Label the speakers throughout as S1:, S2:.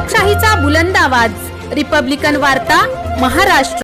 S1: लोकशाहीचा बुलंद आवाज, रिपब्लिकन वार्ता, महाराष्ट्र।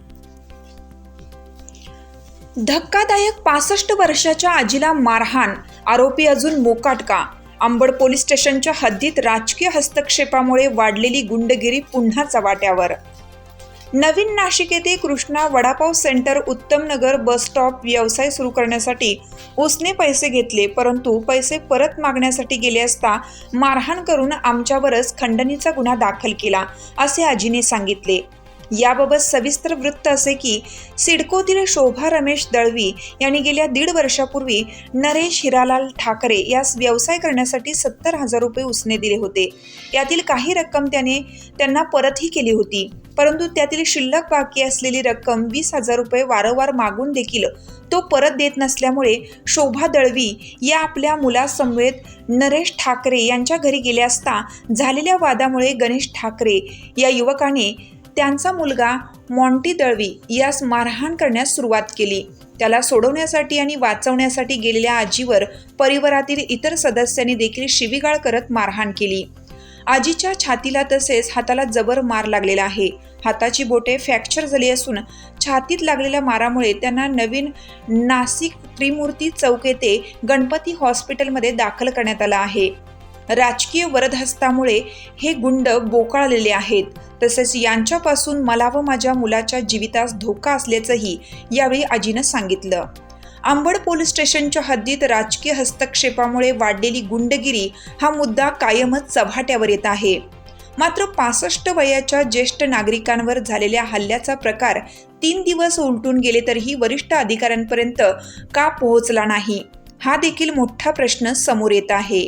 S2: धक्कादायक 65 वर्षाच्या आजीला मारहाण, आरोपी अजून मोकाट का? अंबड पोलीस स्टेशनच्या हद्दीत राजकीय हस्तक्षेपामुळे वाढलेली गुंडगिरी पुन्हा चव्हाट्यावर। नवीन नाशिक येथे कृष्णा वडापाव सेंटर उत्तम नगर बस स्टॉप व्यवसाय सुरू करण्यासाठी उसने पैसे घेतले, परंतु पैसे परत मागण्यासाठी गेले असता मारहाण करून आमच्यावरच खंडणीचा गुन्हा दाखल केला, असे आजीने सांगितले। याबाबत सविस्तर वृत्त असे की सिडकोतील शोभा रमेश दळवी यांनी गेल्या 1.5 वर्षापूर्वी नरेश हिरालाल ठाकरे यास व्यवसाय करण्यासाठी 70,000 रुपये उसने दिले होते। यातील काही रक्कम त्यांना परतही केली होती, परंतु त्यातील शिल्लक बाकी असलेली रक्कम 20,000 रुपये वारंवार मागून देखील तो परत देत नसल्यामुळे शोभा दळवी या आपल्या मुलासमवेत नरेश ठाकरे यांच्या घरी गेले असता झालेल्या वादामुळे गणेश ठाकरे या युवकाने त्यांचा मुलगा मॉन्टी दळवी यास मारहाण करण्यास सुरुवात केली। त्याला सोडवण्यासाठी आणि वाचवण्यासाठी गेलेल्या आजीवर परिवारातील इतर सदस्यांनी देखील शिवीगाळ करत मारहाण केली। आजीच्या छातीला तसेच हाताला जबर मार लागलेला आहे। हाताची बोटे फ्रॅक्चर झाली असून छातीत लागलेल्या मारामुळे त्यांना नवीन नाशिक त्रिमूर्ती चौक येथे गणपती हॉस्पिटलमध्ये दाखल करण्यात आलं आहे। राजकीय वरदहस्तामुळे हे गुंड बोकाळलेले आहेत, तसेच यांच्यापासून मला व माझ्या मुलाच्या जीवितास धोका असल्याचंही यावेळी आजीनं सांगितलं। अंबड पोलीस स्टेशनच्या हद्दीत राजकीय हस्तक्षेपामुळे वाढलेली गुंडगिरी हा मुद्दा कायमच चव्हाट्यावर येत आहे। मात्र 65 वयाच्या ज्येष्ठ नागरिकांवर झालेल्या हल्ल्याचा प्रकार 3 दिवस उलटून गेले तरीही वरिष्ठ अधिकाऱ्यांपर्यंत का पोहोचला नाही, हा देखील मोठा प्रश्न समोर येत आहे।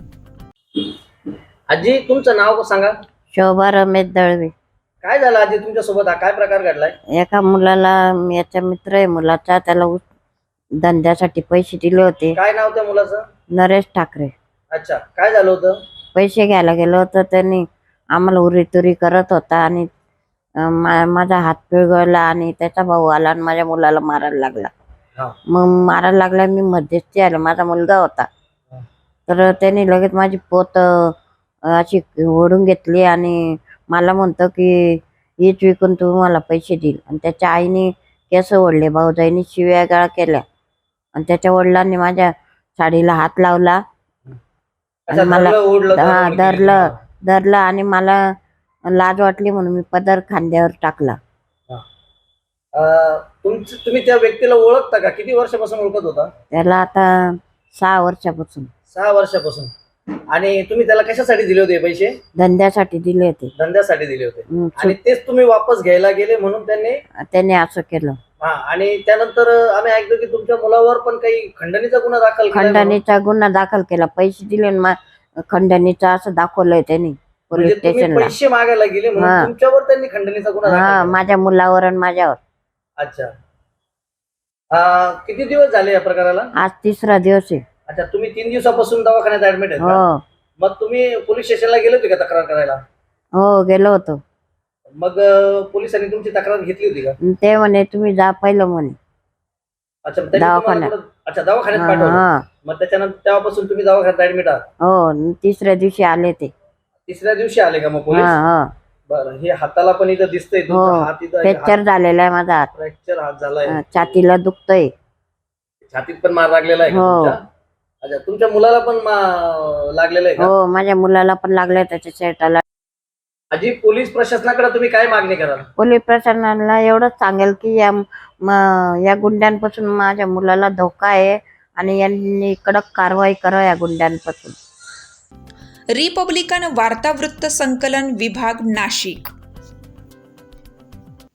S3: आजी, तुमचं नाव सांगा।
S4: शोभा रमेश दळवी।
S3: काय झालं आजी तुमच्या सोबत? हा काय प्रकार घडलाय?
S4: एका मुलाला, याचा मित्र आहे मुलाचा, त्याला धंद्यासाठी पैसे दिले होते।
S3: काय नाव त्या मुलाचं?
S4: नरेश ठाकरे।
S3: अच्छा, काय झालं होतं?
S4: पैसे घ्यायला गेलो होतो, त्यांनी आम्हाला उरीतुरी करत होता आणि माझा हात पिळगळला आणि त्याचा भाऊ आला आणि माझ्या मुलाला मारायला लागला। मग मारायला लागला, मी मध्यस्थी आले, माझा मुलगा होता, तर त्यांनी लगेच माझी पोत अशी ओढून घेतली आणि मला म्हणतो की हीच विकून तू मला पैसे देईल। आणि त्याच्या आईने केस ओढले, भाऊजाईने शिव्या गाळ केल्या आणि त्याच्या वडिलांनी माझ्या साडीला हात लावला आणि मला धरलं आणि मला लाज वाटली म्हणून मी पदर खांद्यावर टाकला।
S3: तुम्ही त्या व्यक्तीला ओळखता का? किती वर्षापासून ओळखत होता
S4: त्याला? आता 6 वर्षापासून।
S3: 6 वर्षापासून। आणि तुम्ही त्याला कशासाठी दिले होते पैसे?
S4: धंद्यासाठी दिले होते।
S3: धंद्यासाठी दिले होते आणि तेच तुम्ही वापस घ्यायला गेले म्हणून त्यांनी
S4: असं केलं।
S3: आणि त्यानंतर आम्ही ऐकतो की तुमच्या मुलावर पण काही खंडणीचा
S4: गुन्हा दाखल केला। पैसे दिले, खंडणीचा असं दाखवलंय त्यांनी पोलीस स्टेशनला।
S3: पैसे मागायला गेले म्हणून तुमच्यावर त्यांनी खंडणीचा गुन्हा दाखल केला?
S4: माझ्या मुलावर आणि माझ्यावर।
S3: अच्छा, किती दिवस झाले या प्रकाराला?
S4: आज 3रा दिवस आहे।
S3: अच्छा, तुम्ही 3 दिवसापासून दवाखान्यात ऍडमिट आहे का? मग तुम्ही पोलीस स्टेशनला गेले होते का तक्रार करायला?
S4: हो, गेलो होतो।
S3: मग पोलिसांनी तुमची तक्रार घेतली होती का?
S4: ते म्हणे तुम्ही जा पहिलं म्हणे।
S3: अच्छा, दवाखान्यात पाठवलं। मग त्याच्यानंतर तेव्हापासून तुम्ही दवाखान्यात ऍडमिट आहात?
S4: हो, 3ऱ्या दिवशी आले ते।
S3: 3ऱ्या दिवशी आले का मग पोलीस? बरं, हे हाताला पण इथं दिसतंय हात इथं
S4: फ्रॅक्चर झालेला आहे माझा हात।
S3: फ्रॅक्चर हात झालाय,
S4: छातीला दुखतंय,
S3: छातीत पण मार लागलेला आहे का? अच्छा, तुमच्या मुलाला पण लागलेलं आहे का?
S4: हो, माझ्या मुलाला पण लागलंय, त्याच्या शर्टाला।
S3: आजी, पोलीस प्रशासनाकडे तुम्ही काय मागणी कराल?
S4: पोलीस प्रशासनाला एवढंच सांगेल की या गुंड्यांपासून माझ्या मुलाला धोका आहे आणि यांनी कडक कारवाई करा या गुंड्यांपासून।
S2: रिपब्लिकन वार्ता वृत्त संकलन विभाग, नाशिक।